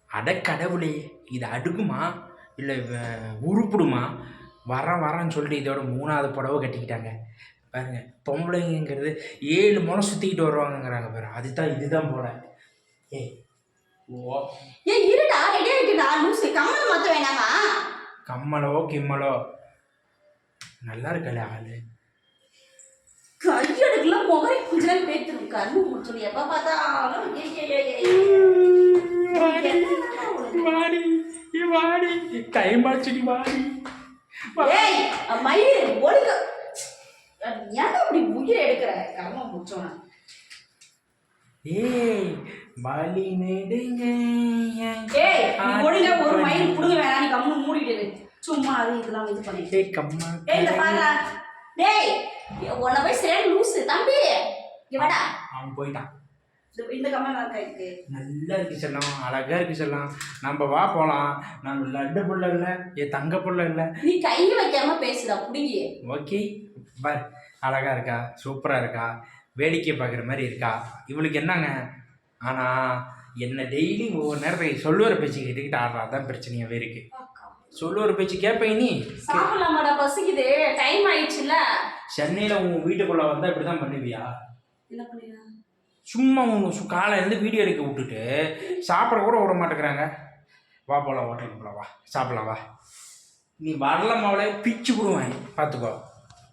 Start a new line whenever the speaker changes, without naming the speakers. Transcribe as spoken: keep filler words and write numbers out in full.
அட கடவுளே, இது அடுக்குமா இல்லை உருப்பிடுமா? வரேன் வரேன்னு சொல்லிட்டு இதோட மூணாவது புடவை கட்டிக்கிட்டாங்க பாருங்க. பொம்பளைங்கிறது ஏழு முளை சுற்றிக்கிட்டு வருவாங்கங்கிறாங்க பாரு. அதுதான் இதுதான் போல. ஏய் ஓ
ஏய் இருடா, ரெடி ஆயிட்டுடா. லூசு, கம்மல் மாத்த வேணாமா?
கம்மலோ கிம்மலோ நல்லா இருக்கல ஆளு.
கையெடுக்கல முகரை கொஞ்ச நேரம் பேத்துரும். கண்ணு முடிச்சு எப்ப பார்த்தாலும்
வாடி வாடி டைம் ஆச்சுடி வாடி.
ஏய் மயிர் ஒழுங்க. ஏன் அப்படி உயிரை எடுக்கிற? கர்ம முடிச்சோன.
ஏய் வலி நெடுங்க.
ஏய் ஒழுங்க ஒரு மயிர் புடுங்க வேணாம். நீ கம்மு மூடிடு. சும்மா அது இதெல்லாம் இது பண்ணி.
ஏய் கம்மா.
ஏய் இந்த பாருடா. டேய் உன்னை போய் சரி லூசு தம்பி. இங்க வாடா.
அவன் போயிட்டான்.
இந்த கம்மல் நல்லா இருக்கு.
நல்லா இருக்கு செல்லம், அழகா இருக்கு செல்லம். நம்ம வா போலாம். நம்ம லட்டு புள்ள இல்லை, என் தங்க புள்ள இல்லை.
நீ கையில் வைக்காம பேசுடா புடிங்கி.
ஓகே பார், அழகா இருக்கா, சூப்பராக இருக்கா, வேடிக்கை பார்க்குற மாதிரி இருக்கா. இவளுக்கு என்னங்க ஆனால் என்ன டெய்லி ஒவ்வொரு நேரத்துக்கு சொல்லுவார் பேச்சு கேட்டுக்கிட்டு ஆடுறா. தான் பிரச்சனையாகவே இருக்கு. சொல்லுவார் பேச்சு கேட்பேன். நீ
சாப்பிடலாமாடா? பசிக்குது, டைம் ஆயிடுச்சுல.
சென்னையில் உன் வீட்டுக்குள்ளே வந்தால் இப்படி தான் பண்ணுவியா?
என்ன பண்ணுவீங்க?
சும்மா உன் காலையிலேருந்து வீடியோ எடுக்க விட்டுட்டு சாப்பிட கூட விட மாட்டேங்கிறாங்க. வா போகலாம், ஹோட்டலுக்கு போகலாம், வா சாப்பிடலாம் வா. நீ வரல மாவளே பிச்சு விடுவேன் பார்த்துக்கோ.